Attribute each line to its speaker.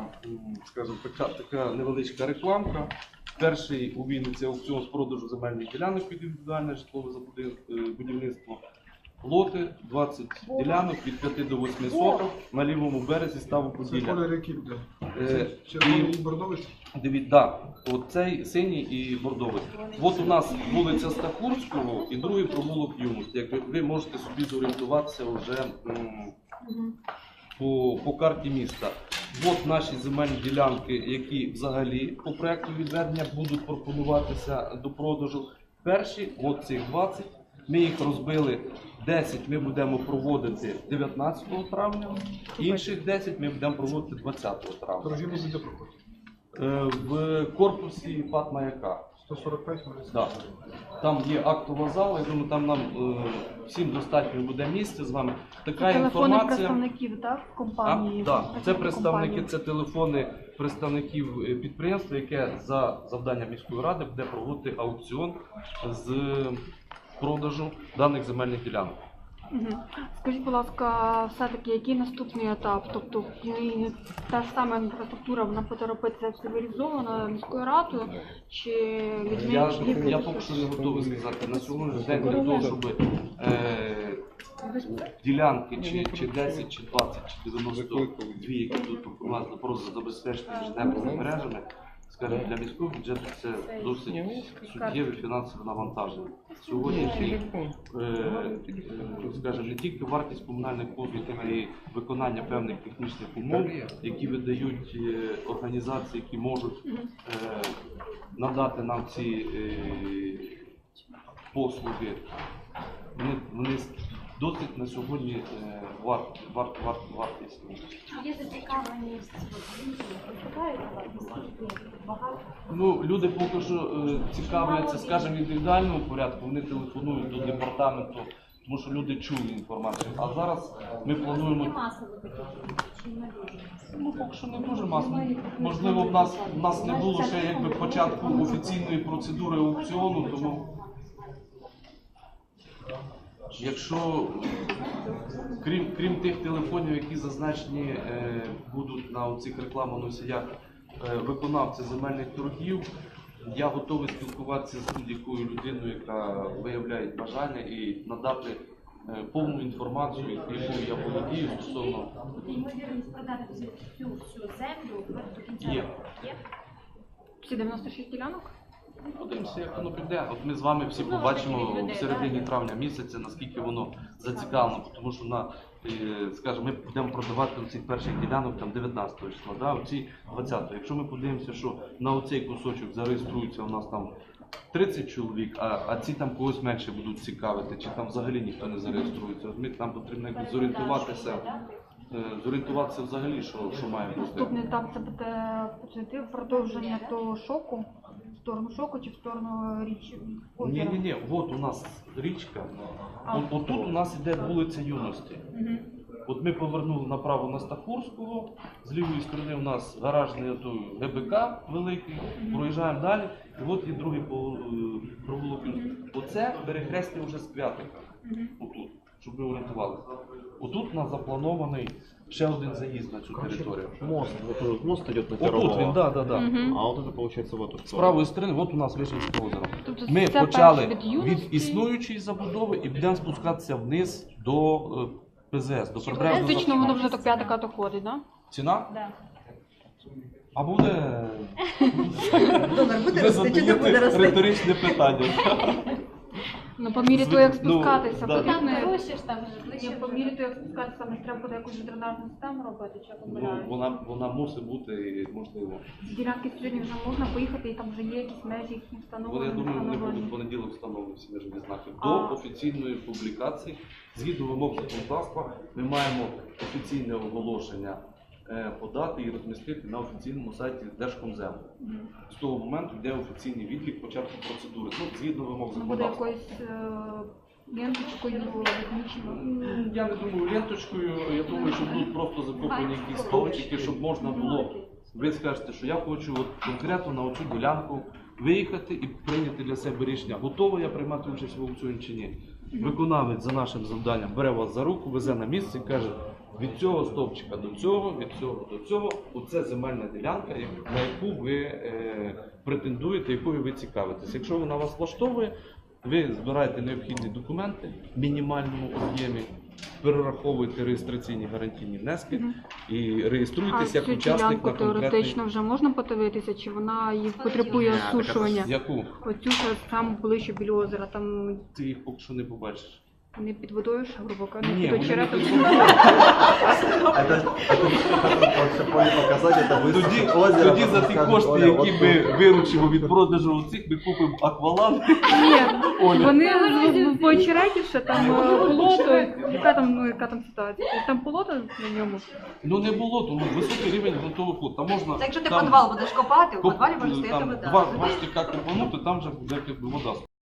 Speaker 1: скажімо, така невеличка рекламка. Перший у Вінниці аукціон з продажу земельних ділянок під індивідуальне житлове будівництво. Лоти 20 ділянок від 5 до 8 соток на лівому березі ставу Поділля.
Speaker 2: Це колір який буде? Червоний і бордовий?
Speaker 1: Дивіться, так, оцей синій і бордовий. От у нас вулиця Стахурського і другий провулок Юності. Як ви можете собі зорієнтуватися вже по карті міста. От наші земельні ділянки, які взагалі по проєкту відведення будуть пропонуватися до продажу. Перші, от цих 20, ми їх розбили. 10 ми будемо проводити 19 травня, інших 10 ми будемо проводити 20 травня.
Speaker 2: Торги будуть де проходити?
Speaker 1: В корпусі ПАТ Маяка.
Speaker 2: 145
Speaker 1: Да. Там є актова зала, я думаю, там нам всім достатньо буде місця з вами. Така
Speaker 3: телефони
Speaker 1: інформація.
Speaker 3: представників, так, компанії?
Speaker 1: Так, це представники, це телефони представників підприємства, яке за завданням міської ради буде проводити аукціон з продажу даних земельних ділянок.
Speaker 3: Скажіть, будь ласка, все-таки який наступний етап? Тобто та ж сама інфраструктура, вона буде робитися цивілізовано міською радою чи людьми?
Speaker 1: Я поки що не готовий сказати. На сьогоднішній день для того, щоб ділянки чи 10, чи 20, чи 92, які тут у нас просто забезпечені інженерними мережами, скажімо, для міського бюджету це досить суттєве фінансове навантаження. Сьогодні, скажімо, не тільки вартість комунальних послуг, а й виконання певних технічних умов, які видають організації, які можуть надати нам ці послуги, вони досить на сьогодні вартісні.
Speaker 4: Є зацікавленість
Speaker 1: Ну, люди поки що цікавляться, скажімо, в індивідуальному порядку, вони телефонують до департаменту, тому що люди чули інформацію. А зараз ми плануємо... Ну, поки що не дуже масово. Можливо, в нас не було ще якби початку офіційної процедури аукціону, тому... Якщо, крім тих телефонів, які зазначені будуть на цих рекламоносіях виконавці земельних торгів, я готовий спілкуватися з будь-якою людиною, яка виявляє бажання і надати повну інформацію, якою я володію стосовно...
Speaker 4: Ймовірність продати всю землю до кінця
Speaker 1: Є.
Speaker 4: року є?
Speaker 3: Всі 96 ділянок?
Speaker 1: Подивимося, як воно піде. От ми з вами всі побачимо в середині травня місяця, наскільки воно зацікавлено, тому що скажімо, ми будемо продавати оці перших ділянок там 19 числа, да, оці 20-го. Якщо ми подивимося, що на оцей кусочок зареєструється у нас там 30 чоловік, а ці там когось менше будуть цікавити, чи там взагалі ніхто не зареєструється. Нам потрібно зорієнтуватися взагалі, що має бути.
Speaker 3: Наступний етап це буде продовження того шоку, в сторону шоку чи в сторону річки?
Speaker 1: Ні, от у нас річка, отут у нас іде вулиця Юності. От ми повернули направо на Стахурського, з лівої сторони у нас гаражний ГБК великий, проїжджаємо далі, і от є другий провулок. Оце перехрестя вже з Квятика, отут, щоб ви орієнтувалися. Отут у нас запланований ще один заїзд на цю територію.
Speaker 5: Мост идет на
Speaker 1: Отут він,
Speaker 5: Пирогова,
Speaker 1: да.
Speaker 5: а вот это получается в эту
Speaker 1: З
Speaker 5: сторону.
Speaker 1: правої сторони, от у нас Вишенське озеро.
Speaker 3: Тобто
Speaker 1: Ми
Speaker 3: це
Speaker 1: почали
Speaker 3: перше від
Speaker 1: від
Speaker 3: Юності?
Speaker 1: існуючої забудови і будемо спускатися вниз до ПЗС, до прибережного
Speaker 3: Фактично воно
Speaker 1: захисту.
Speaker 3: вже до Квятика доходить, так?
Speaker 1: Ціна?
Speaker 4: Да.
Speaker 1: А буде...
Speaker 6: Буде
Speaker 1: Ви
Speaker 6: рости чи не буде
Speaker 1: задаєте
Speaker 6: рости?
Speaker 1: риторичне питання.
Speaker 3: Ну, по мірі того, як спускатися,
Speaker 1: да.
Speaker 4: Там
Speaker 3: потрібно...
Speaker 4: гроші ж там
Speaker 3: Ні, по мірі того, як спускатися, там треба буде якусь дренажну систему робити, чи я помиляюсь?
Speaker 1: Вона мусить бути можливо.
Speaker 3: З ділянки сьогодні вже можна поїхати, і там вже є якісь межі, їхні встановлені,
Speaker 1: Я думаю, вони будуть в
Speaker 3: встановлені.
Speaker 1: понеділок встановлені всі межові знаки.
Speaker 3: А.
Speaker 1: До офіційної публікації, згідно вимог законодавства, ми маємо офіційне оголошення подати і розмістити на офіційному сайті Держкомзему. З того моменту йде офіційний відлік початку процедури. Ну, згідно вимог
Speaker 3: Ну, буде
Speaker 1: законодавства.
Speaker 3: якоюсь ленточкою відмічено.
Speaker 1: Я не думаю ленточкою, я думаю, що будуть просто закоплені якісь стовпчики, щоб можна було, ви скажете, що я хочу от конкретно на оцю ділянку виїхати і прийняти для себе рішення, готовий я приймати участь в аукціоні чи ні. Виконавець за нашим завданням бере вас за руку, везе на місце і каже, Від цього стовпчика до цього, від цього до цього, оце земельна ділянка, на яку ви претендуєте, якою ви цікавитесь. Якщо вона вас влаштовує, ви збираєте необхідні документи в мінімальному об'ємі, перераховуєте реєстраційні гарантійні внески і
Speaker 3: А
Speaker 1: реєструєтеся як
Speaker 3: цю
Speaker 1: учасник
Speaker 3: ділянку
Speaker 1: на конкретний...
Speaker 3: теоретично вже можна подивитися, чи вона її потребує осушування?
Speaker 1: Яку?
Speaker 3: Оцю, що там ближче біля озера, там
Speaker 1: Ти їх поки що не побачиш.
Speaker 3: не під водою, ж, грубо кажучи,
Speaker 1: Ні,
Speaker 3: не
Speaker 1: вони
Speaker 3: під
Speaker 1: не
Speaker 3: очеретом.
Speaker 1: під водою.
Speaker 6: показати, це
Speaker 1: Тоді,
Speaker 6: озеро.
Speaker 1: тоді за ті кошти, які ми виручимо від продажу цих, ми купимо акваланг.
Speaker 3: Ні, вони по очереті ще там болото, яка там ситуація? Там болото на ньому.
Speaker 1: Ну не було, тому високий рівень ґрунтових вод. Там можна...
Speaker 7: Та якщо ти
Speaker 1: там
Speaker 7: підвал будеш копати, у
Speaker 1: коп-
Speaker 7: підвалі може стояти
Speaker 1: там
Speaker 7: вода.
Speaker 1: два штика копанути, там вже буде якби вода.